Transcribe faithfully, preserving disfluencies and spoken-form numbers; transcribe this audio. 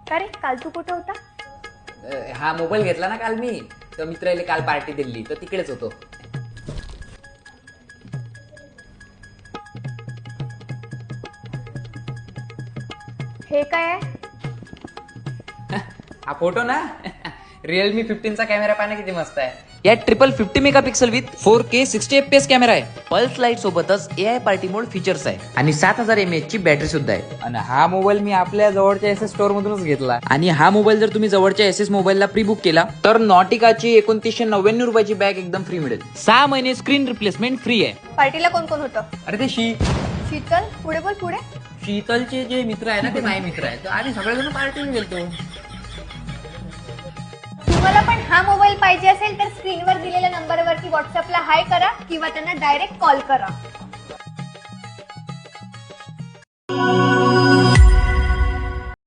का रे काल तू कुठं होता? अ, हा मोबाईल घेतला ना काल मी, तर मित्राला काल पार्टी दिली तर तिकडेच होतो. हे काय आहे? हा फोटो ना रिअलमी फिफ्टीनचा कॅमेरा पाहणं किती मस्त आहे. यात triple fifty megapixel with four K sixty F P S camera आहे. पल्स लाईट सोबतच A I party mode features आहे आणि सात हजार एम एच ची बॅटरी सुद्धा आहे. आणि हा मोबाईल मी आपल्या जवळच्या एस एस स्टोअर मधूनच घेतला. आणि हा मोबाईल जर तुम्ही जवळच्या एस एस मोबाईलला प्री बुक केला तर नॉटिकाची एकोणतीसशे नव्याण्णव रुपयाची बॅग एकदम फ्री मिळेल. सहा महिने स्क्रीन रिप्लेसमेंट फ्री आहे. पार्टीला कोण कोण होतं? अरे ते शी शीतल, पुढे बोल पुढे. शीतलचे जे मित्र आहे ना ते माझे मित्र आहेत आणि सगळेजण पार्टीला गेलतो. तुम्हाला पण हा मोबाईल पाहिजे असेल तर स्क्रीनवर दिलेल्या नंबरवरती व्हॉट्सअपला हाय करा किंवा त्यांना डायरेक्ट कॉल करा.